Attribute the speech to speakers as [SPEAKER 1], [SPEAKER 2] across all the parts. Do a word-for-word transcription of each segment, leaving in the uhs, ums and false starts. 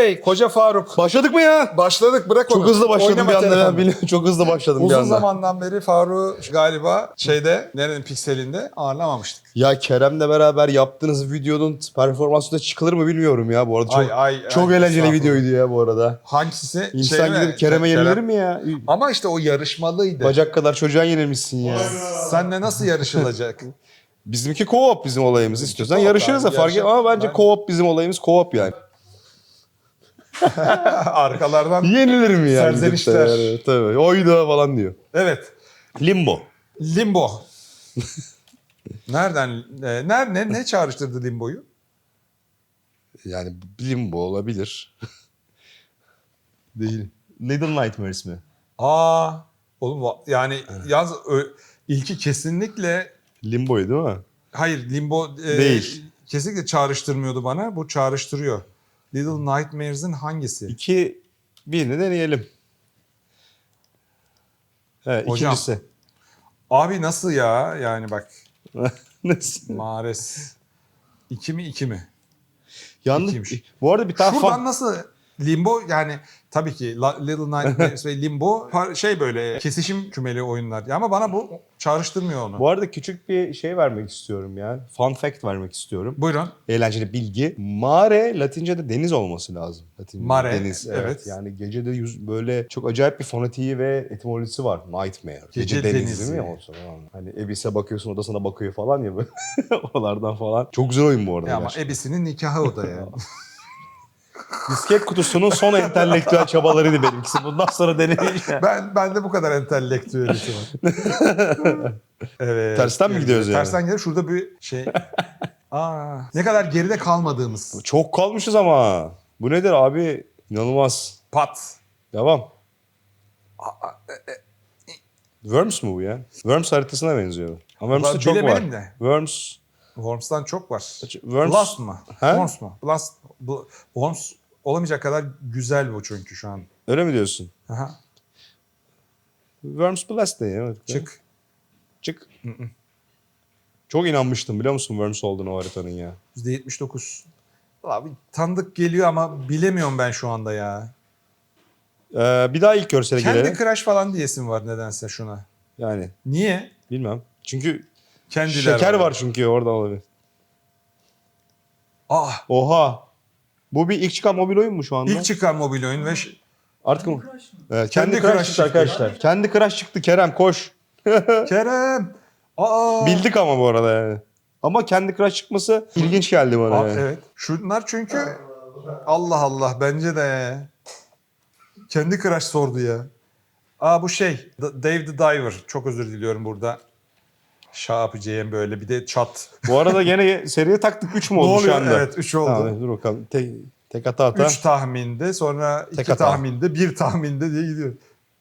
[SPEAKER 1] Bey, Koca Faruk.
[SPEAKER 2] Başladık mı ya?
[SPEAKER 1] Başladık, bırak onu.
[SPEAKER 2] Çok hızlı başladım
[SPEAKER 1] Oynama
[SPEAKER 2] bir anda.
[SPEAKER 1] telefonu.
[SPEAKER 2] Ya. Biliyorum, çok hızlı başladım
[SPEAKER 1] Uzun
[SPEAKER 2] bir anda.
[SPEAKER 1] zamandan beri Faruk'u galiba şeyde, nerenin pikselinde ağırlamamıştık.
[SPEAKER 2] Ya Kerem'le beraber yaptığınız videonun performansı da çıkılır mı bilmiyorum ya bu arada. Çok,
[SPEAKER 1] Ay, ay,
[SPEAKER 2] çok
[SPEAKER 1] ay,
[SPEAKER 2] eğlenceli
[SPEAKER 1] estağfurullah.
[SPEAKER 2] videoydu ya bu arada.
[SPEAKER 1] Hangisi?
[SPEAKER 2] İnsan
[SPEAKER 1] Şey mi?
[SPEAKER 2] gidip Kerem'e
[SPEAKER 1] Kerem.
[SPEAKER 2] yenilir mi ya?
[SPEAKER 1] Ama işte o yarışmalıydı.
[SPEAKER 2] Bacak kadar çocuğa yenilmişsin ya.
[SPEAKER 1] Senle nasıl yarışılacak?
[SPEAKER 2] Bizimki co-op bizim olayımız. İstiyorsan
[SPEAKER 1] co-op
[SPEAKER 2] yarışırız da
[SPEAKER 1] abi,
[SPEAKER 2] fark
[SPEAKER 1] yarışalım.
[SPEAKER 2] etmez ama bence
[SPEAKER 1] Ben-
[SPEAKER 2] co-op bizim olayımız co-op yani.
[SPEAKER 1] Arkalardan.
[SPEAKER 2] Yenilir mi ya?
[SPEAKER 1] Serzenişler.
[SPEAKER 2] gidip de yani? Tabii. Oyda falan diyor.
[SPEAKER 1] Evet.
[SPEAKER 2] Limbo.
[SPEAKER 1] Limbo. Nereden? E, ner, ne, ne çağrıştırdı Limbo'yu?
[SPEAKER 2] Yani limbo olabilir. Değil. Little Nightmares mi?
[SPEAKER 1] Aa, oğlum va- yani yalnız ö- ilki kesinlikle
[SPEAKER 2] Limbo'yu değil mi?
[SPEAKER 1] hayır Limbo e,
[SPEAKER 2] Değil.
[SPEAKER 1] kesinlikle çağrıştırmıyordu bana. Bu çağrıştırıyor. Little Nightmares'in hangisi?
[SPEAKER 2] İki, birini deneyelim. Evet,
[SPEAKER 1] Hocam.
[SPEAKER 2] ikincisi.
[SPEAKER 1] Abi nasıl ya? Yani bak
[SPEAKER 2] Nasıl?
[SPEAKER 1] Mares. İki mi iki mi?
[SPEAKER 2] Yalnız
[SPEAKER 1] İkiymiş.
[SPEAKER 2] bu arada bir tane
[SPEAKER 1] Şuradan
[SPEAKER 2] fan...
[SPEAKER 1] nasıl Limbo yani tabii ki La- Little Nightmares ve Limbo par- şey böyle kesişim kümeli oyunlar. Ya ama bana bu çağrıştırmıyor onu.
[SPEAKER 2] Bu arada küçük bir şey vermek istiyorum ya. Fun fact vermek istiyorum.
[SPEAKER 1] Buyurun.
[SPEAKER 2] Eğlenceli bilgi. Mare Latince'de deniz olması lazım. Latince'de
[SPEAKER 1] Mare,
[SPEAKER 2] deniz. Evet.
[SPEAKER 1] evet.
[SPEAKER 2] Yani gecede yüz, böyle çok acayip bir fonetiği ve etimolojisi var. Nightmare. Gece,
[SPEAKER 1] Gece
[SPEAKER 2] denizi,
[SPEAKER 1] denizi.
[SPEAKER 2] değil mi? O zaman. Hani Ebis'e bakıyorsun, o da sana bakıyor falan ya böyle. Oralardan falan. Çok güzel oyun bu arada.
[SPEAKER 1] Ya ama
[SPEAKER 2] gerçekten.
[SPEAKER 1] Ebisi'nin nikahı o da yani.
[SPEAKER 2] Disket kutusunun son entelektüel çabalarıydı benimkisi. Bundan sonra deneyeceğim.
[SPEAKER 1] ben ben de bu kadar entelektüelisi var. Evet.
[SPEAKER 2] Tersten mi gidiyoruz yani?
[SPEAKER 1] Tersten gidiyoruz. Şurada bir şey. Aa, ne kadar geride kalmadığımız.
[SPEAKER 2] Çok kalmışız ama. Bu nedir abi? İnanılmaz.
[SPEAKER 1] Pat.
[SPEAKER 2] Devam. Worms mu bu ya? Worms haritasına benziyor. Ama Worms'ta
[SPEAKER 1] Ben
[SPEAKER 2] çok var.
[SPEAKER 1] bilemedim de.
[SPEAKER 2] Worms.
[SPEAKER 1] Worms'tan çok var.
[SPEAKER 2] Worms.
[SPEAKER 1] Blast mı?
[SPEAKER 2] He?
[SPEAKER 1] Worms mu? Blast. Bu, Worms olamayacak kadar güzel bu çünkü şu an.
[SPEAKER 2] Öyle mi diyorsun?
[SPEAKER 1] Aha.
[SPEAKER 2] Worms Blast ne ya? Evet.
[SPEAKER 1] Çık.
[SPEAKER 2] Çık. Çok inanmıştım biliyor musun Worms olduğunu o haritanın ya.
[SPEAKER 1] yüzde yetmiş dokuz. Abi tanıdık geliyor ama bilemiyorum ben şu anda ya.
[SPEAKER 2] Ee, bir daha ilk görsele
[SPEAKER 1] Kendi
[SPEAKER 2] gelelim.
[SPEAKER 1] Crash falan diyesim var nedense şuna.
[SPEAKER 2] Yani
[SPEAKER 1] Niye?
[SPEAKER 2] bilmem. Çünkü
[SPEAKER 1] Kendiler
[SPEAKER 2] şeker var çünkü orada olabilir.
[SPEAKER 1] Ah,
[SPEAKER 2] Oha. Bu bir ilk çıkan mobil oyun mu şu anda?
[SPEAKER 1] ilk çıkan mobil oyun ve ş-
[SPEAKER 2] Artık mı? Evet,
[SPEAKER 1] Kendi
[SPEAKER 2] kendi,
[SPEAKER 1] Crash
[SPEAKER 2] Crash çıktı
[SPEAKER 1] çıktı.
[SPEAKER 2] arkadaşlar. Kendi Crash çıktı Kerem koş.
[SPEAKER 1] Kerem. Aa.
[SPEAKER 2] Bildik ama bu arada yani. Ama kendi Crash çıkması ilginç geldi bana.
[SPEAKER 1] Aa,
[SPEAKER 2] yani.
[SPEAKER 1] evet. Şunlar çünkü Allah Allah bence de kendi Crash sordu ya. Aa bu şey D- Dave the Diver. Çok özür diliyorum burada. Şah yapacağım böyle bir de çat.
[SPEAKER 2] Bu arada gene seriye taktık üç mü
[SPEAKER 1] Ne
[SPEAKER 2] oldu şu
[SPEAKER 1] oluyor?
[SPEAKER 2] anda?
[SPEAKER 1] Evet üç oldu.
[SPEAKER 2] Tamam, dur bakalım. Tek, tek hata hata.
[SPEAKER 1] üç tahminde sonra iki
[SPEAKER 2] Tek hata.
[SPEAKER 1] tahminde bir tahminde diye gidiyor.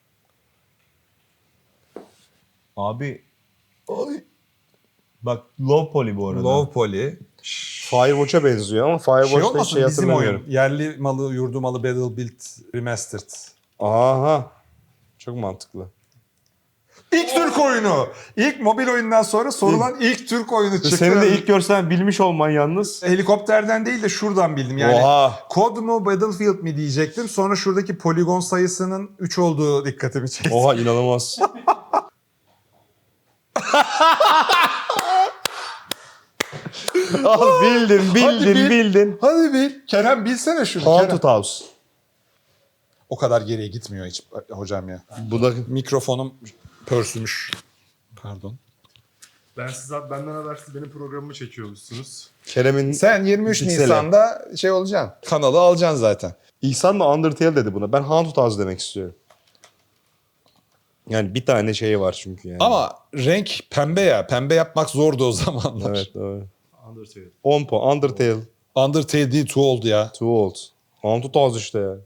[SPEAKER 2] Abi. Ay. Bak low poly bu arada.
[SPEAKER 1] Low poly.
[SPEAKER 2] Firewatch'a benziyor ama
[SPEAKER 1] Şey
[SPEAKER 2] Firewatch'ta hiç
[SPEAKER 1] olmasın
[SPEAKER 2] şey
[SPEAKER 1] bizim
[SPEAKER 2] hatırlamıyorum.
[SPEAKER 1] oyun. Yerli malı, yurdu malı Battlefield Remastered.
[SPEAKER 2] Aha. Çok mantıklı.
[SPEAKER 1] İlk Türk oyunu. İlk mobil oyundan sonra sorulan ilk Türk oyunu çıktı.
[SPEAKER 2] Senin de ilk görsen bilmiş olman yalnız.
[SPEAKER 1] Helikopterden değil de şuradan bildim. Yani
[SPEAKER 2] Oha.
[SPEAKER 1] Kod mu Battlefield mi diyecektim. Sonra şuradaki poligon sayısının üç olduğu dikkatimi çekti.
[SPEAKER 2] Oha inanılmaz. Al bildin bildin
[SPEAKER 1] Hadi bil.
[SPEAKER 2] bildin.
[SPEAKER 1] Hadi bil. Kerem bilsene şunu.
[SPEAKER 2] Haunted
[SPEAKER 1] Kerem.
[SPEAKER 2] House.
[SPEAKER 1] O kadar geriye gitmiyor hiç hocam ya.
[SPEAKER 2] Bu da
[SPEAKER 1] Mikrofonum pörsümüş. Pardon.
[SPEAKER 3] Ben siz benden habersiz benim programımı çekiyormuşsunuz.
[SPEAKER 2] Kerem'in...
[SPEAKER 1] Sen yirmi üç
[SPEAKER 2] Piksele.
[SPEAKER 1] Nisan'da şey olacaksın. Kanalı alacaksın zaten.
[SPEAKER 2] İhsan da Undertale dedi buna. Ben Haunted House demek istiyorum. Yani bir tane şey var çünkü yani.
[SPEAKER 1] Ama renk pembe ya. Pembe yapmak zordu o zamanlar.
[SPEAKER 2] Evet doğru.
[SPEAKER 3] Undertale.
[SPEAKER 2] on puan. Undertale.
[SPEAKER 1] Undertale değil Two oldu ya.
[SPEAKER 2] Too old. Haunted House işte ya.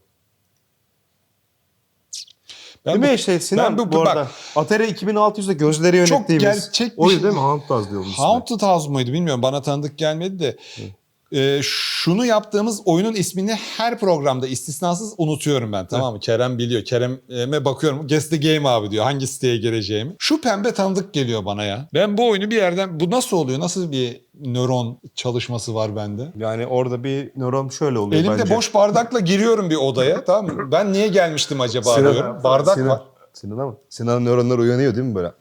[SPEAKER 1] Ben
[SPEAKER 2] Değil
[SPEAKER 1] bu-
[SPEAKER 2] mi işte Sinan
[SPEAKER 1] ben bu-
[SPEAKER 2] bu,
[SPEAKER 1] bak-
[SPEAKER 2] arada? Atari iki bin altı yüzde gözleri
[SPEAKER 1] Çok
[SPEAKER 2] yönettiğimiz.
[SPEAKER 1] gerçek bir
[SPEAKER 2] Oydu
[SPEAKER 1] şey.
[SPEAKER 2] değil mi? Haunted House diyor bunun ismi.
[SPEAKER 1] Haunted House muydu bilmiyorum. Bana tanıdık gelmedi de. Ee, şunu yaptığımız oyunun ismini her programda istisnasız unutuyorum ben, tamam mı? Kerem biliyor. Kerem'e bakıyorum. Guess the game abi diyor. Hangi siteye gireceğimi. Şu pembe tanıdık geliyor bana ya. Ben bu oyunu bir yerden... Bu nasıl oluyor? Nasıl bir nöron çalışması var bende?
[SPEAKER 2] Yani orada bir nöron şöyle oluyor
[SPEAKER 1] Elimde
[SPEAKER 2] bence.
[SPEAKER 1] boş bardakla giriyorum bir odaya, tamam mı? Ben niye gelmiştim acaba
[SPEAKER 2] Sinan-
[SPEAKER 1] diyorum. Bardak
[SPEAKER 2] Sinan,
[SPEAKER 1] var.
[SPEAKER 2] Sinan'a mı? Sinan'ın nöronları uyanıyor değil mi böyle?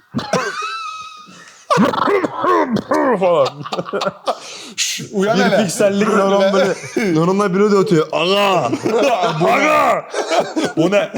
[SPEAKER 2] falan.
[SPEAKER 1] Şş, uyan
[SPEAKER 2] Bir
[SPEAKER 1] hele.
[SPEAKER 2] piksellik nöron böyle. Nöronlar biri de ötüyor. Aga! Aga!
[SPEAKER 1] Bu ne?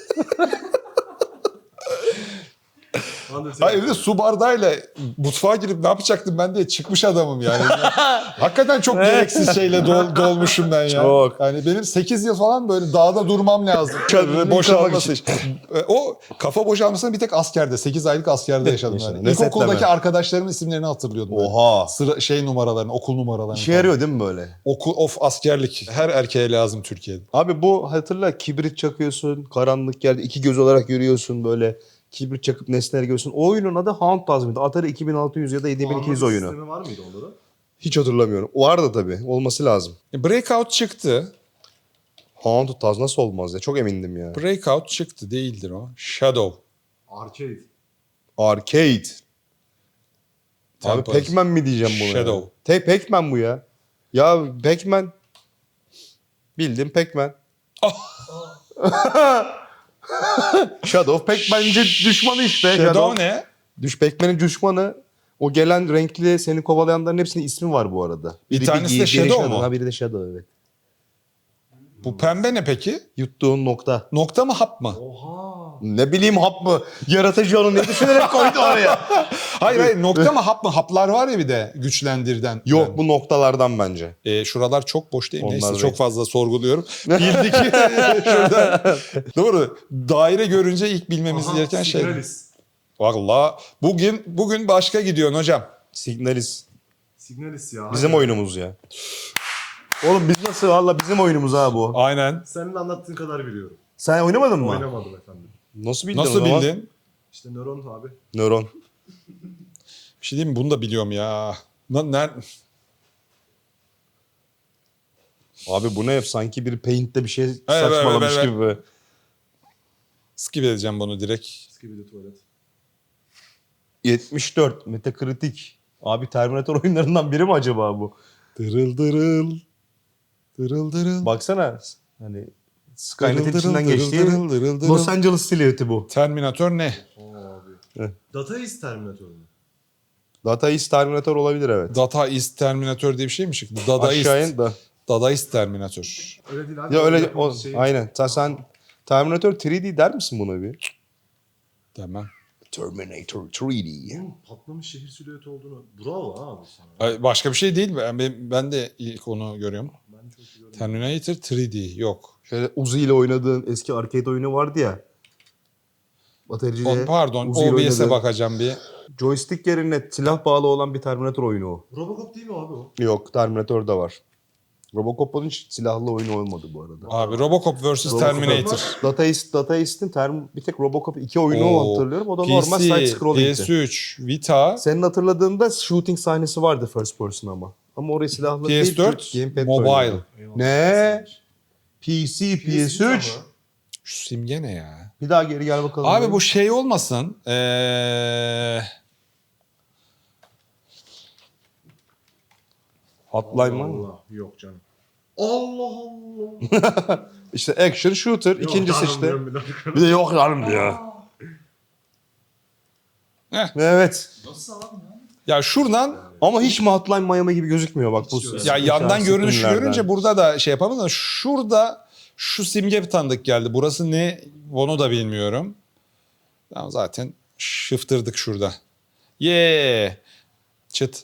[SPEAKER 3] Hande sen-
[SPEAKER 1] Hayır, bir de su bardağıyla mutfağa girip ne yapacaktım ben diye çıkmış adamım yani. Hakikaten çok gereksiz şeyle dol, dolmuşum ben ya.
[SPEAKER 2] Çok.
[SPEAKER 1] Yani benim sekiz yıl falan böyle dağda durmam lazım.
[SPEAKER 2] Kendini
[SPEAKER 1] Boşalması
[SPEAKER 2] kalmak
[SPEAKER 1] için. E, O kafa boşalmasını bir tek askerde, sekiz aylık askerde yaşadım
[SPEAKER 2] Yaşadın.
[SPEAKER 1] yani.
[SPEAKER 2] Ne
[SPEAKER 1] İlkokuldaki
[SPEAKER 2] setleme?
[SPEAKER 1] arkadaşlarımın isimlerini hatırlıyordum. böyle.
[SPEAKER 2] Oha.
[SPEAKER 1] Sıra, şey numaralarını, okul numaralarını.
[SPEAKER 2] İşe
[SPEAKER 1] falan.
[SPEAKER 2] yarıyor değil mi böyle?
[SPEAKER 1] Okul, of askerlik. Her erkeğe lazım Türkiye'de.
[SPEAKER 2] Abi bu hatırla kibrit çakıyorsun, karanlık yerde iki göz olarak yürüyorsun böyle. Kibrit çakıp nesneleri görüyorsun. O oyunun adı Hound Tazmin'di. Atari iki bin altı yüz ya da yedi bin iki yüz
[SPEAKER 3] Anladım,
[SPEAKER 2] oyunu.
[SPEAKER 3] sistemi var mıydı onların?
[SPEAKER 2] Hiç hatırlamıyorum. Vardı tabii. Olması lazım.
[SPEAKER 1] E, Breakout çıktı.
[SPEAKER 2] Hound Taz nasıl olmaz ya? Çok emindim ya.
[SPEAKER 1] Breakout çıktı, değildir o. Shadow.
[SPEAKER 3] Arcade.
[SPEAKER 2] Arcade. Abi
[SPEAKER 1] Temple.
[SPEAKER 2] Pac-Man mi diyeceğim buna?
[SPEAKER 1] Shadow.
[SPEAKER 2] Ya? Te Pac-Man bu ya. Ya Pac-Man. Bildim Pac-Man. Shadow Pac-Man'ci düşmanı işte.
[SPEAKER 1] Shadow ne?
[SPEAKER 2] Düş Pac-Man'in düşmanı. O gelen renkli seni kovalayanların hepsinin ismi var bu arada.
[SPEAKER 1] Bir
[SPEAKER 2] Biri
[SPEAKER 1] tanesi de
[SPEAKER 2] diğeri
[SPEAKER 1] Shadow mu?
[SPEAKER 2] Ha biri de Shadow evet.
[SPEAKER 1] Bu pembe ne peki?
[SPEAKER 2] Yuttuğun nokta.
[SPEAKER 1] Nokta mı, hap mı?
[SPEAKER 3] Oha.
[SPEAKER 2] Ne bileyim hap mı? Yaratıcı onu ne düşünerek koydu oraya?
[SPEAKER 1] Hayır hayır, nokta mı, hap mı? Haplar var ya bir de güçlendirden.
[SPEAKER 2] Yok
[SPEAKER 1] Yani.
[SPEAKER 2] bu noktalardan bence.
[SPEAKER 1] E, şuralar çok boş değil mi?
[SPEAKER 2] Onlar
[SPEAKER 1] Neyse
[SPEAKER 2] değil.
[SPEAKER 1] çok fazla sorguluyorum. Bildik. Şurada. Doğru. Daire görünce ilk bilmemiz
[SPEAKER 3] Aha,
[SPEAKER 1] gereken şey.
[SPEAKER 3] Signalis.
[SPEAKER 1] Valla bugün bugün başka gidiyorsun hocam.
[SPEAKER 2] Signalis.
[SPEAKER 3] Signalis ya.
[SPEAKER 2] Bizim
[SPEAKER 3] hadi.
[SPEAKER 2] oyunumuz ya. Oğlum biz nasıl valla bizim oyunumuz ha bu.
[SPEAKER 1] Aynen.
[SPEAKER 3] Senin anlattığın kadar biliyorum.
[SPEAKER 2] Sen oynamadın mı?
[SPEAKER 3] Oynamadım efendim.
[SPEAKER 2] Nasıl bildin o
[SPEAKER 1] Nasıl
[SPEAKER 2] zaman?
[SPEAKER 1] bildin?
[SPEAKER 3] İşte nöron abi.
[SPEAKER 2] Nöron.
[SPEAKER 1] Bir şey diyeyim mi? Bunu da biliyorum ya. Na- ner-
[SPEAKER 2] Abi bu ne? Sanki bir Paint'te bir şey
[SPEAKER 1] evet,
[SPEAKER 2] saçmalamış
[SPEAKER 1] evet,
[SPEAKER 2] gibi. be.
[SPEAKER 1] Skip edeceğim bunu direkt.
[SPEAKER 3] Skibidi tuvalet.
[SPEAKER 2] yetmiş dört Metacritic. Abi Terminator oyunlarından biri mi acaba bu?
[SPEAKER 1] Dırıl dırıl. Dırıl dırıl.
[SPEAKER 2] Baksana hani
[SPEAKER 1] Dırıl
[SPEAKER 2] Skynet'in
[SPEAKER 1] dırıl,
[SPEAKER 2] içinden
[SPEAKER 1] dırıl
[SPEAKER 2] geçtiği
[SPEAKER 1] dırıl, dırıl dırıl.
[SPEAKER 2] Los Angeles silüeti bu.
[SPEAKER 1] Terminator ne?
[SPEAKER 3] Oo abi.
[SPEAKER 2] Heh.
[SPEAKER 3] Data East Terminator mu?
[SPEAKER 2] Data East Terminator olabilir evet.
[SPEAKER 1] Data East Terminator diye bir şey mi çıktı? Dada
[SPEAKER 2] Aşağı
[SPEAKER 1] East.
[SPEAKER 2] in da.
[SPEAKER 1] Dada East Terminator.
[SPEAKER 3] Öyle değil abi.
[SPEAKER 2] Ya öyle o,
[SPEAKER 3] Yapımız şey-
[SPEAKER 2] aynen. Ta, sen Terminator üç D der misin buna bir?
[SPEAKER 1] Demem.
[SPEAKER 2] Terminator üç D.
[SPEAKER 3] Oğlum, patlamış şehir silüeti olduğunu. Bravo abi sana.
[SPEAKER 1] Ay, başka bir şey değil mi? Ben, ben de ilk onu görüyorum.
[SPEAKER 3] Ben çok iyi görmedim.
[SPEAKER 1] Terminator üç D yok.
[SPEAKER 2] Şöyle Uzi ile oynadığın eski arcade oyunu vardı ya. Batericiye.
[SPEAKER 1] O, pardon,
[SPEAKER 2] Uzi ile
[SPEAKER 1] O B S'e
[SPEAKER 2] oynadığın.
[SPEAKER 1] bakacağım bir.
[SPEAKER 2] Joystick yerine silah bağlı olan bir Terminator oyunu o.
[SPEAKER 3] Robocop değil mi abi o?
[SPEAKER 2] Yok Terminator da var. Robocop'un hiç silahlı oyunu olmadı bu arada.
[SPEAKER 1] Abi Robocop versus.
[SPEAKER 2] Robocop
[SPEAKER 1] Terminator.
[SPEAKER 2] Data East, Data East'in term, bir tek Robocop iki oyunu
[SPEAKER 1] Oo,
[SPEAKER 2] hatırlıyorum. O da
[SPEAKER 1] P C,
[SPEAKER 2] normal side
[SPEAKER 1] P
[SPEAKER 2] scrolling'ti.
[SPEAKER 1] S üç, Vita,
[SPEAKER 2] Senin hatırladığında shooting sahnesi vardı first person ama. Ama oraya silahlı
[SPEAKER 1] P S dört,
[SPEAKER 2] değil. gamepad
[SPEAKER 1] mobile.
[SPEAKER 2] oynuyordu. Ne? P C, P S üç.
[SPEAKER 1] Şu simge ne ya?
[SPEAKER 2] Bir daha geri gel bakalım.
[SPEAKER 1] Abi bu şey olmasın. Ee...
[SPEAKER 2] Hotline mı?
[SPEAKER 3] Allah yok canım. Allah Allah.
[SPEAKER 2] İşte action shooter.
[SPEAKER 3] Yok,
[SPEAKER 2] ikincisi
[SPEAKER 3] canım
[SPEAKER 2] işte.
[SPEAKER 3] diyorum bir dakika.
[SPEAKER 2] Bir de yok yarım ya.
[SPEAKER 1] Heh.
[SPEAKER 2] Evet.
[SPEAKER 3] Nasıl abi ya?
[SPEAKER 1] Ya şuradan
[SPEAKER 2] Ama hiç mi Hotline Miami gibi gözükmüyor bak bu.
[SPEAKER 3] Hiç öyle.
[SPEAKER 1] ya yandan
[SPEAKER 2] Şans
[SPEAKER 1] görünüşü
[SPEAKER 2] filmlerden.
[SPEAKER 1] görünce burada da şey yapamam da şurada şu simge bir tanıdık geldi. Burası ne onu da bilmiyorum. Tamam, zaten şıftırdık şurada. Ye çıt.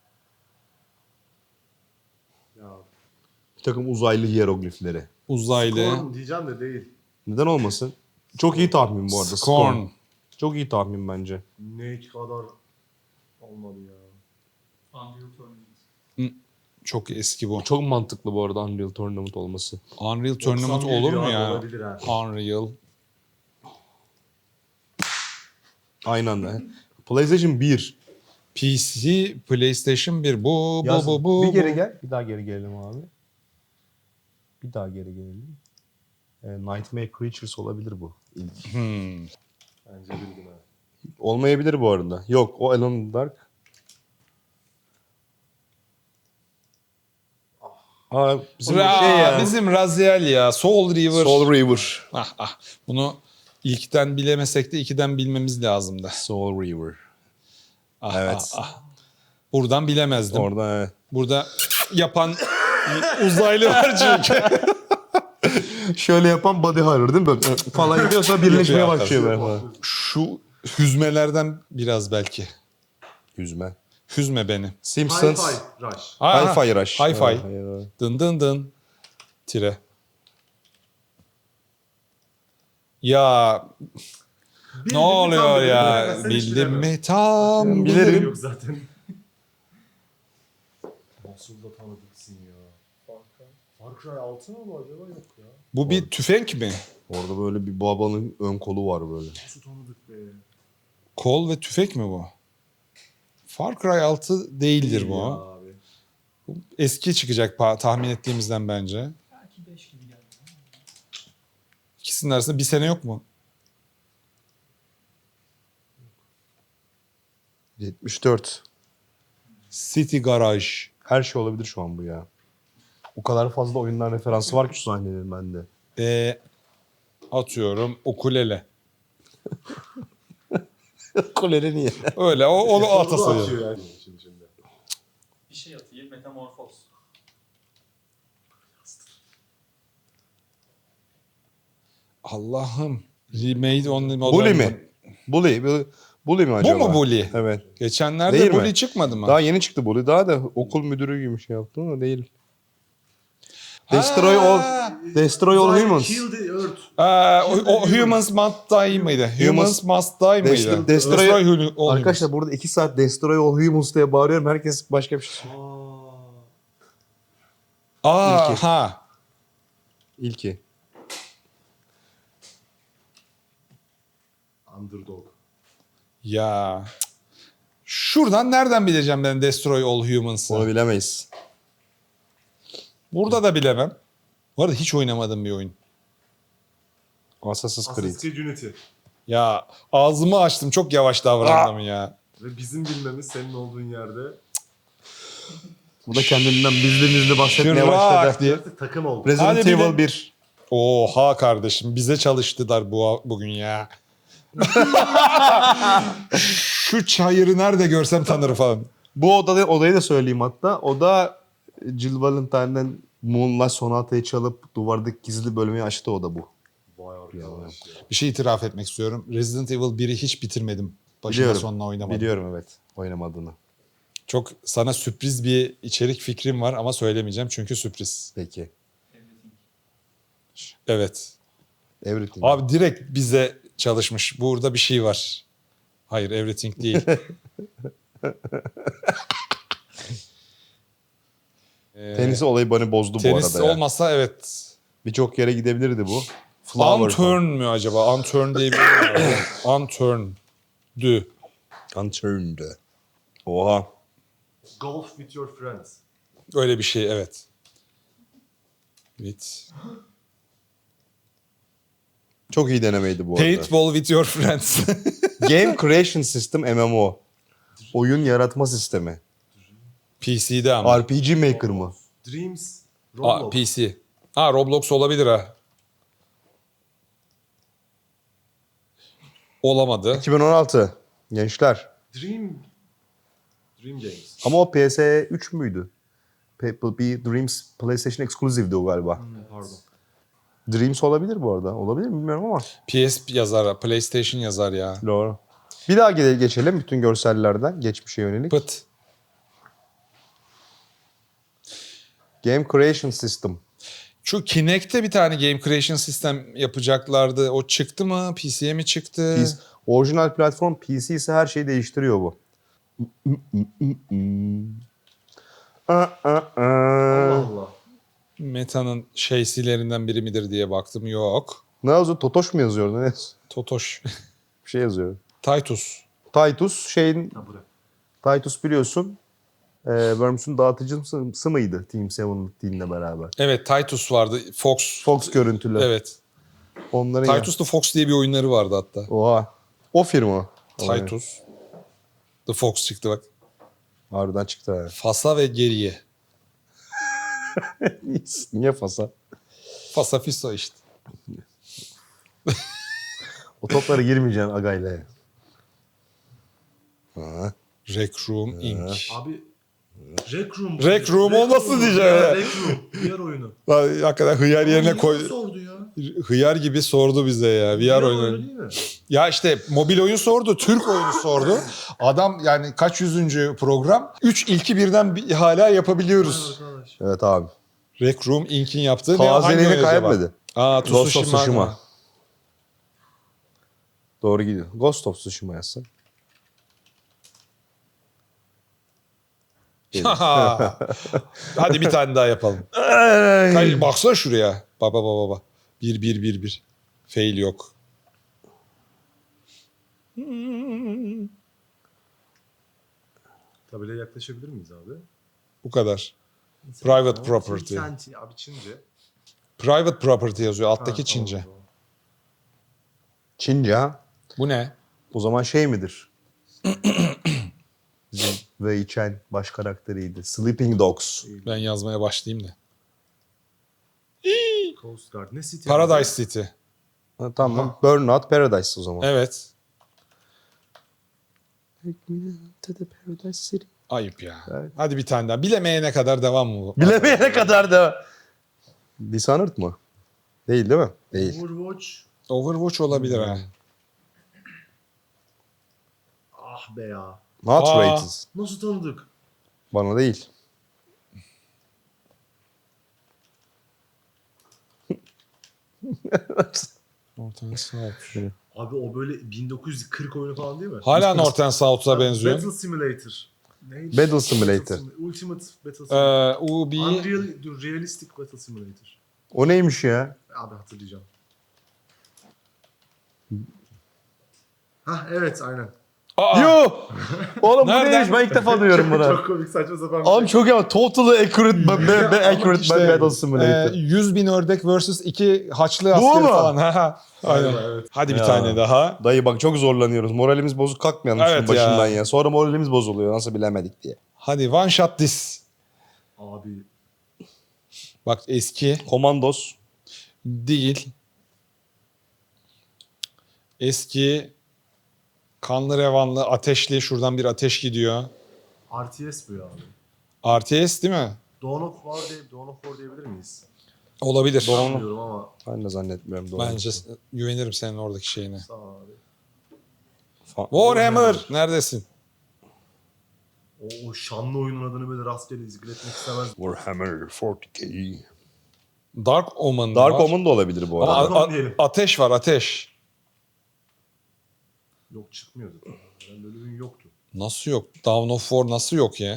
[SPEAKER 3] Ya.
[SPEAKER 2] Bir takım uzaylı hieroglifleri.
[SPEAKER 1] Uzaylı.
[SPEAKER 3] Korn diyeceğim de değil.
[SPEAKER 2] Neden olmasın? Çok iyi tahmin bu arada.
[SPEAKER 1] Scorn.
[SPEAKER 2] Çok iyi tahmin bence.
[SPEAKER 3] Ne kadar olmadı ya.
[SPEAKER 4] Unreal Tournament.
[SPEAKER 1] Çok eski bu.
[SPEAKER 2] Çok mantıklı bu arada Unreal Tournament olması.
[SPEAKER 1] Unreal Tournament
[SPEAKER 3] doksan bir
[SPEAKER 1] olur mu
[SPEAKER 3] abi,
[SPEAKER 1] ya?
[SPEAKER 3] Olabilir ha.
[SPEAKER 1] Unreal.
[SPEAKER 2] Aynı anda. PlayStation bir.
[SPEAKER 1] P C, PlayStation bir. Bu, bu,
[SPEAKER 2] Yaz.
[SPEAKER 1] bu, bu.
[SPEAKER 2] bir geri
[SPEAKER 1] bu.
[SPEAKER 2] gel. Bir daha geri gelelim abi. Bir daha geri gelelim. E, Nightmare Creatures olabilir bu. İlk.
[SPEAKER 1] Hmm.
[SPEAKER 3] Bence bildim ha.
[SPEAKER 2] Olmayabilir bu arada. Yok, o Alone in the Dark. Aa, bizim
[SPEAKER 1] Ra-
[SPEAKER 2] şey ya.
[SPEAKER 1] Bizim Raziel ya. Soul River.
[SPEAKER 2] Soul River.
[SPEAKER 1] Ah ah. Bunu ilkten bilemesek de ikiden bilmemiz lazımdı.
[SPEAKER 2] Soul River.
[SPEAKER 1] Ah,
[SPEAKER 2] Evet.
[SPEAKER 1] ah, ah. Buradan bilemezdim.
[SPEAKER 2] Orada evet.
[SPEAKER 1] Burada yapan uzaylı var çünkü.
[SPEAKER 2] Şöyle yapan body horror değil mi? Böyle falan gidiyorsa birleşmeye
[SPEAKER 1] Yapıyor
[SPEAKER 2] başlıyor böyle falan.
[SPEAKER 1] Şu hüzmelerden biraz belki.
[SPEAKER 2] Yüzme.
[SPEAKER 1] Hüzme beni.
[SPEAKER 2] Simpsons.
[SPEAKER 3] Hi-Fi Rush.
[SPEAKER 1] Aa,
[SPEAKER 2] Hi-Fi Rush.
[SPEAKER 1] Hi-Fi.
[SPEAKER 2] Ha, evet.
[SPEAKER 1] Dın dın dın. Tire. Ya
[SPEAKER 3] Bildim
[SPEAKER 1] ne
[SPEAKER 3] mi,
[SPEAKER 1] oluyor
[SPEAKER 3] tam bildim.
[SPEAKER 1] ya?
[SPEAKER 3] Bilemezsen hiç
[SPEAKER 1] Bildim
[SPEAKER 3] bilemem.
[SPEAKER 1] mi? Tam
[SPEAKER 2] Bilirim.
[SPEAKER 1] bilirim.
[SPEAKER 3] Yok zaten. Nasıl da tanıdıksın ya. Far Cry altı mı bu acaba, yok ya.
[SPEAKER 1] Bu bir tüfek mi?
[SPEAKER 2] Orada böyle bir babanın ön kolu var böyle.
[SPEAKER 3] Nasıl tanıdık be.
[SPEAKER 1] Kol ve tüfek mi bu? Far Cry altı değildir bu.
[SPEAKER 3] Ya abi.
[SPEAKER 1] Bu eski çıkacak pa- tahmin ettiğimizden bence.
[SPEAKER 4] Belki beş gibi geldi.
[SPEAKER 1] İkisinin arasında bir sene yok mu?
[SPEAKER 2] yetmiş dört.
[SPEAKER 1] City Garage.
[SPEAKER 2] Her şey olabilir şu an bu ya. O kadar fazla oyunlar referansı var ki şu sahnelerin bende.
[SPEAKER 1] Ee, atıyorum ukulele.
[SPEAKER 2] Kolere niye?
[SPEAKER 1] Öyle o onu ata
[SPEAKER 3] Sonunu
[SPEAKER 1] sayıyorum.
[SPEAKER 3] atıyor yani şimdi şimdi.
[SPEAKER 4] Bir şey atayım. Metamorfoz.
[SPEAKER 1] Allah'ım. Remade on the
[SPEAKER 2] Bully mi? Bully. Bully, Bully mi acaba?
[SPEAKER 1] Bu mu Bully?
[SPEAKER 2] Evet.
[SPEAKER 1] Geçenlerde
[SPEAKER 2] Değil mi?
[SPEAKER 1] Bully çıkmadı mı?
[SPEAKER 2] Daha yeni çıktı Bully. Daha da okul müdürü gibi şey yaptı ama değil. Destroy all, destroy all humans.
[SPEAKER 3] Kill the Earth.
[SPEAKER 1] Aa, o, o Humans Must Die mıydı? Humans Must Die mıydı?
[SPEAKER 2] Destroy- Destroy-
[SPEAKER 1] Hulu- all
[SPEAKER 2] Arkadaşlar burada iki saat Destroy all humans diye bağırıyorum. Herkes başka bir şey söylüyor.
[SPEAKER 1] Aa,
[SPEAKER 2] İlki.
[SPEAKER 1] ha.
[SPEAKER 2] İlki.
[SPEAKER 3] Underdog.
[SPEAKER 1] Ya. Şuradan nereden bileceğim ben Destroy All Humans'ı?
[SPEAKER 2] Onu bilemeyiz.
[SPEAKER 1] Burada da bilemem. Bu arada hiç oynamadım bir oyun.
[SPEAKER 2] Assassin's Creed.
[SPEAKER 3] Assassin's Creed Unity.
[SPEAKER 1] Ya ağzımı açtım çok yavaş davrandım ya.
[SPEAKER 3] Ve bizim bilmemiz senin olduğun yerde
[SPEAKER 2] Bu da kendinden bizli bizli bahsetmeye
[SPEAKER 1] Şırrak
[SPEAKER 2] başladı.
[SPEAKER 1] diye.
[SPEAKER 3] artık takım oldu.
[SPEAKER 2] Resident
[SPEAKER 1] Hadi bir de-
[SPEAKER 2] Evil bir.
[SPEAKER 1] Oha kardeşim bize çalıştılar bu bugün ya. Şu çayırı nerede görsem tanırım falan.
[SPEAKER 2] Bu odada, odayı da söyleyeyim hatta. O da Jill Valentine'den Moonlight Sonata'yı çalıp duvardaki gizli bölmeyi açtı, o da bu.
[SPEAKER 3] Vay arkadaş ya.
[SPEAKER 1] Bir şey itiraf etmek istiyorum. Resident Evil biri hiç bitirmedim. Başına
[SPEAKER 2] Biliyorum.
[SPEAKER 1] sonuna oynamadım.
[SPEAKER 2] Biliyorum evet oynamadığını.
[SPEAKER 1] Çok sana sürpriz bir içerik fikrim var ama söylemeyeceğim çünkü sürpriz.
[SPEAKER 2] Peki.
[SPEAKER 4] Everything.
[SPEAKER 1] Evet.
[SPEAKER 2] Everything.
[SPEAKER 1] Abi direkt bize çalışmış. Burada bir şey var. Hayır, everything değil. Ee,
[SPEAKER 2] Tenis olayı beni bozdu bu
[SPEAKER 1] tenis
[SPEAKER 2] arada ya.
[SPEAKER 1] olmasa evet.
[SPEAKER 2] Birçok yere gidebilirdi bu. Flower
[SPEAKER 1] Unturn mü acaba? Unturn diye bir oyun var. Unturn. Dü.
[SPEAKER 2] Unturned. Oha.
[SPEAKER 3] Golf with your friends.
[SPEAKER 1] Öyle bir şey evet. Evet.
[SPEAKER 2] Çok iyi denemeydi bu arada.
[SPEAKER 1] Paintball with your friends.
[SPEAKER 2] Game Creation System M M O. Oyun yaratma sistemi.
[SPEAKER 1] P C'de ama.
[SPEAKER 2] R P G Maker mı?
[SPEAKER 3] Dreams.
[SPEAKER 1] Aa,
[SPEAKER 3] Roblox.
[SPEAKER 1] P C. Ha Roblox olabilir ha. Olamadı.
[SPEAKER 2] iki bin on altı. Gençler.
[SPEAKER 3] Dream. Dream Games.
[SPEAKER 2] Ama o P S üç müydü? Pe- Bir Dreams PlayStation Exclusive'di o galiba.
[SPEAKER 3] Pardon.
[SPEAKER 2] Dreams olabilir bu arada. Olabilir mi bilmiyorum ama.
[SPEAKER 1] P S yazar, PlayStation yazar ya.
[SPEAKER 2] Doğru. Bir daha gele- geçelim bütün görsellerden. Geçmişe yönelik.
[SPEAKER 1] Pıt.
[SPEAKER 2] Game Creation System.
[SPEAKER 1] Şu Kinect'te bir tane Game Creation System yapacaklardı. O çıktı mı? P C'ye mi çıktı?
[SPEAKER 2] Biz, orijinal platform P C ise her şeyi değiştiriyor bu.
[SPEAKER 3] Allah Allah.
[SPEAKER 1] Meta'nın şeysilerinden biri midir diye baktım. Yok.
[SPEAKER 2] Ne yazıyor? Totoş mu yazıyor? Ne yazıyor?
[SPEAKER 1] Totoş.
[SPEAKER 2] Bir şey yazıyor.
[SPEAKER 1] Titus.
[SPEAKER 2] Titus şeyin
[SPEAKER 3] Ha bırak.
[SPEAKER 2] Titus biliyorsun e, Worms'un dağıtıcısı mıydı Team Seven'ın team'le beraber?
[SPEAKER 1] Evet, Titus vardı. Fox.
[SPEAKER 2] Fox görüntülü.
[SPEAKER 1] Evet.
[SPEAKER 2] Onların
[SPEAKER 1] Titus the Fox diye bir oyunları vardı hatta.
[SPEAKER 2] ya. Oha. O firma.
[SPEAKER 1] Titus. The Fox çıktı bak.
[SPEAKER 2] Harbiden çıktı ha.
[SPEAKER 1] Fasa ve geriye.
[SPEAKER 2] Niye Fasa?
[SPEAKER 1] Fasa Fiso işte.
[SPEAKER 2] O toplara girmeyeceksin agayla. Ha.
[SPEAKER 1] Rec Room Incorporated.
[SPEAKER 3] Abi Rec Room.
[SPEAKER 1] Rec Room olmasın diyeceğim
[SPEAKER 3] ya.
[SPEAKER 1] ya.
[SPEAKER 3] Rec Room. Diğer oyunu.
[SPEAKER 1] Lan hakikaten hıyar yerine
[SPEAKER 3] Abi
[SPEAKER 1] koy.
[SPEAKER 3] niye sordu ya?
[SPEAKER 1] Hıyar gibi sordu bize ya. V R
[SPEAKER 3] Diğer
[SPEAKER 1] oyunu.
[SPEAKER 3] oyunu değil mi?
[SPEAKER 1] Ya işte mobil oyun sordu, Türk oyunu sordu. Adam yani kaç yüzüncü program? Üç ilki birden bir, hala yapabiliyoruz.
[SPEAKER 3] Arkadaş.
[SPEAKER 2] Evet abi.
[SPEAKER 1] Rec Room Incorporated'in yaptığı ne? Hangi
[SPEAKER 2] Tazelini
[SPEAKER 1] oyun acaba?
[SPEAKER 2] kaybetmedi.
[SPEAKER 1] Aa,
[SPEAKER 2] Ghost of
[SPEAKER 1] Tsushima.
[SPEAKER 2] Tsushima. Doğru gidiyor. Ghost of Tsushima yazsın.
[SPEAKER 1] Hadi bir tane daha yapalım. Kaç, baksana şuraya. Baba baba baba. Bir bir bir bir. Fail yok.
[SPEAKER 3] Tabelaya yaklaşabilir miyiz abi?
[SPEAKER 1] Bu kadar. Private property.
[SPEAKER 3] Senti abi Çince.
[SPEAKER 1] Private property yazıyor. Alttaki
[SPEAKER 3] Ha,
[SPEAKER 1] Çince.
[SPEAKER 3] tamam, tamam.
[SPEAKER 2] Çince ha.
[SPEAKER 1] Bu ne?
[SPEAKER 2] O zaman şey midir? Bizim Wei Chen baş karakteriydi. Sleeping Dogs.
[SPEAKER 1] Ben yazmaya başlayayım da.
[SPEAKER 3] Coast Guard. Ne city?
[SPEAKER 1] Paradise City.
[SPEAKER 2] Ha, tamam. Burnout Paradise o zaman.
[SPEAKER 1] Evet.
[SPEAKER 2] Take me to the Paradise City.
[SPEAKER 1] Ayıp ya.
[SPEAKER 2] Evet.
[SPEAKER 1] Hadi bir tane daha. Bilemeyene kadar devam mı bu?
[SPEAKER 2] Bilemeyene kadar da. Dishonored mı? Değil değil mi? Değil.
[SPEAKER 3] Overwatch.
[SPEAKER 1] Overwatch olabilir ha.
[SPEAKER 3] Ah be ya.
[SPEAKER 2] Not
[SPEAKER 1] Aa.
[SPEAKER 2] rated.
[SPEAKER 3] Nasıl tanıdık?
[SPEAKER 2] Bana değil.
[SPEAKER 1] Northern South.
[SPEAKER 3] Abi o böyle bin dokuz yüz kırk oyunu falan değil mi?
[SPEAKER 1] Hala Northern South'a benziyor.
[SPEAKER 3] Battle Simulator. Neydi?
[SPEAKER 2] Battle Simulator.
[SPEAKER 3] Sim- Ultimate Battle Simulator.
[SPEAKER 1] Ee, U B
[SPEAKER 3] Unreal, dur, Realistic Battle Simulator.
[SPEAKER 2] O neymiş ya?
[SPEAKER 3] Abi hatırlayacağım. Hah evet aynen.
[SPEAKER 1] Aa,
[SPEAKER 2] Yo! Oğlum bu
[SPEAKER 1] Nereden?
[SPEAKER 2] neymiş? Ben ilk defa duyuyorum bunu.
[SPEAKER 3] Çok komik saçma sapan bir
[SPEAKER 2] Abi
[SPEAKER 3] şey.
[SPEAKER 2] çok iyi. Totally accurate, be, be, be accurate
[SPEAKER 1] işte,
[SPEAKER 2] Battle
[SPEAKER 1] e,
[SPEAKER 2] Simulator.
[SPEAKER 1] yüz bin ördek versus iki haçlı
[SPEAKER 2] Bu
[SPEAKER 1] askeri
[SPEAKER 2] mu?
[SPEAKER 1] falan. Ha, ha. Aynen.
[SPEAKER 3] Galiba, evet.
[SPEAKER 1] Hadi bir
[SPEAKER 2] Ya.
[SPEAKER 1] tane daha.
[SPEAKER 2] Dayı bak çok zorlanıyoruz. Moralimiz bozuk kalkmayalım
[SPEAKER 1] Evet
[SPEAKER 2] şunun başından
[SPEAKER 1] ya.
[SPEAKER 2] ya. Sonra moralimiz bozuluyor. Nasıl bilemedik diye.
[SPEAKER 1] Hadi one shot this.
[SPEAKER 3] Abi
[SPEAKER 1] Bak eski
[SPEAKER 2] Commandos.
[SPEAKER 1] değil. Eski kanlı revanlı ateşli, şuradan bir ateş gidiyor.
[SPEAKER 3] R T S bu ya abi.
[SPEAKER 1] R T S değil mi?
[SPEAKER 3] Dawn of War, diye, Dawn of War diyebilir miyiz?
[SPEAKER 1] Olabilir.
[SPEAKER 3] Sanmıyorum ama
[SPEAKER 1] Şey
[SPEAKER 2] Ben de zannetmiyorum. Doğru.
[SPEAKER 1] Bence güvenirim senin oradaki şeyine.
[SPEAKER 3] sağ ol abi.
[SPEAKER 2] Fa-
[SPEAKER 1] Warhammer neredesin?
[SPEAKER 3] O, o şanlı oyunun adını böyle rastgele zikretmek istemez.
[SPEAKER 2] Warhammer kırk K.
[SPEAKER 1] Dark Omen
[SPEAKER 2] Dark
[SPEAKER 1] var.
[SPEAKER 2] Omen da olabilir bu
[SPEAKER 1] Ama
[SPEAKER 2] arada.
[SPEAKER 3] Dark Omen
[SPEAKER 1] a- a-
[SPEAKER 3] diyelim.
[SPEAKER 1] ateş var ateş.
[SPEAKER 3] Yok çıkmıyordu. Yani öyle bir oyun yoktu.
[SPEAKER 1] Nasıl yok? Dawn of War nasıl yok ya?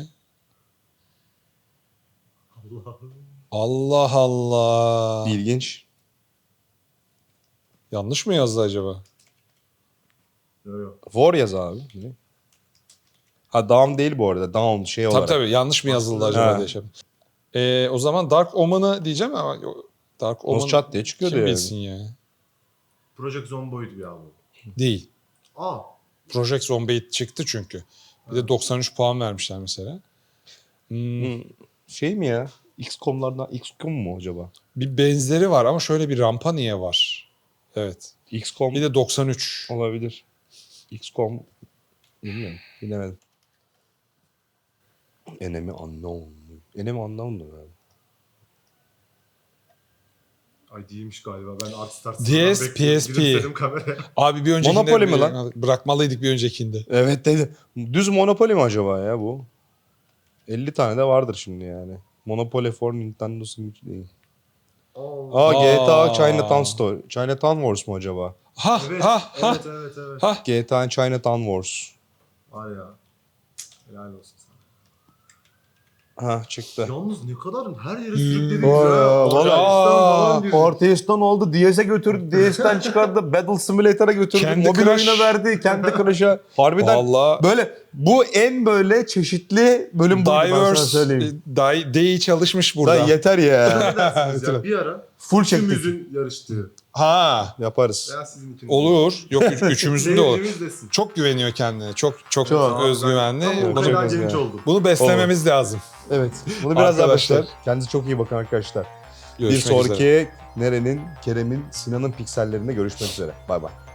[SPEAKER 3] Allah'ım.
[SPEAKER 1] Allah Allah.
[SPEAKER 2] İlginç.
[SPEAKER 1] Yanlış mı yazdı acaba?
[SPEAKER 3] Yok yok.
[SPEAKER 2] War yaz abi. Ne? Ha Down değil bu arada. Down şey
[SPEAKER 1] Tabii
[SPEAKER 2] olarak.
[SPEAKER 1] tabii yanlış mı yazıldı acaba
[SPEAKER 2] Ha.
[SPEAKER 1] diye şey. Ee, o zaman Dark Omen'ı diyeceğim ama yo- Dark Omen
[SPEAKER 2] Nosçat diye çıkıyordu
[SPEAKER 1] kim
[SPEAKER 2] yani.
[SPEAKER 1] bilsin ya.
[SPEAKER 3] Project Zomboid ya bu.
[SPEAKER 1] Değil.
[SPEAKER 3] Aa.
[SPEAKER 1] Project Zomboid çıktı çünkü. Bir de doksan üç puan vermişler mesela. Hmm,
[SPEAKER 2] Şey mi ya? X COM'lardan X COM mu acaba?
[SPEAKER 1] bir benzeri var ama şöyle bir rampa niye var? Evet.
[SPEAKER 2] X COM
[SPEAKER 1] Bir de doksan üç.
[SPEAKER 2] olabilir. X COM bilmiyorum. Bilemedim. Enemy Unknown. Enemy Unknown'du galiba.
[SPEAKER 3] Ay değilmiş galiba. Ben Art Start
[SPEAKER 1] D S, P S P.
[SPEAKER 3] Gülümsedim kameraya.
[SPEAKER 1] Abi bir öncekinde
[SPEAKER 2] Monopoly mi
[SPEAKER 1] bir-
[SPEAKER 2] lan?
[SPEAKER 1] Bırakmalıydık bir öncekinde.
[SPEAKER 2] Evet dedi. Düz Monopoly mi acaba ya bu? elli tane de vardır şimdi yani. Monopoly for Nintendo Switch değil.
[SPEAKER 3] Allah.
[SPEAKER 2] Aa, G T A
[SPEAKER 1] Aa.
[SPEAKER 2] Chinatown Story. Chinatown Wars mu acaba?
[SPEAKER 1] Ha
[SPEAKER 3] Evet,
[SPEAKER 1] ha ha.
[SPEAKER 3] evet, evet, evet.
[SPEAKER 1] Ha.
[SPEAKER 2] G T A Chinatown Wars.
[SPEAKER 3] Var ya. Helal olsun sana.
[SPEAKER 2] Ha çıktı.
[SPEAKER 3] Yalnız ne kadar her yere sürüklediniz ya.
[SPEAKER 2] Vay ya,
[SPEAKER 3] Ocakistan
[SPEAKER 1] vallahi.
[SPEAKER 3] falan
[SPEAKER 1] Aa,
[SPEAKER 3] biri.
[SPEAKER 2] Orta oldu, D S'e götürdü, D S'ten çıkardı, Battle Simulator'a götürdü,
[SPEAKER 1] Kendi
[SPEAKER 2] mobil
[SPEAKER 1] Crush.
[SPEAKER 2] oyuna verdi, kendi Crush'a. Harbiden
[SPEAKER 1] Vallahi
[SPEAKER 2] böyle bu en böyle çeşitli bölüm buydu ben sana
[SPEAKER 1] Diverse,
[SPEAKER 2] söyleyeyim.
[SPEAKER 1] Di- D'yi çalışmış burada.
[SPEAKER 2] Lan yeter ya.
[SPEAKER 3] Ne dersiniz ya? Bir ara
[SPEAKER 2] Full çektik.
[SPEAKER 3] üçümüzün yarıştığı.
[SPEAKER 1] Ha,
[SPEAKER 2] Yaparız.
[SPEAKER 3] Veya sizin ikiniz.
[SPEAKER 1] olur. Yok üç, üçümüzün de olur.
[SPEAKER 3] Zevkimiz desin.
[SPEAKER 1] Çok güveniyor kendine. Çok çok,
[SPEAKER 2] Çok.
[SPEAKER 1] özgüvenli.
[SPEAKER 3] Tam o
[SPEAKER 2] Evet,
[SPEAKER 1] Bunu,
[SPEAKER 3] kadar
[SPEAKER 2] çok
[SPEAKER 3] genç
[SPEAKER 2] güzel.
[SPEAKER 3] oldum.
[SPEAKER 1] bunu beslememiz lazım.
[SPEAKER 2] Evet. Bunu biraz daha
[SPEAKER 1] Arkadaşlar.
[SPEAKER 2] başlar. Kendinize çok iyi bakın arkadaşlar.
[SPEAKER 1] Görüşmek
[SPEAKER 2] bir sonraki
[SPEAKER 1] üzere.
[SPEAKER 2] Neren'in, Kerem'in, Sinan'ın piksellerinde görüşmek üzere. Bay bay.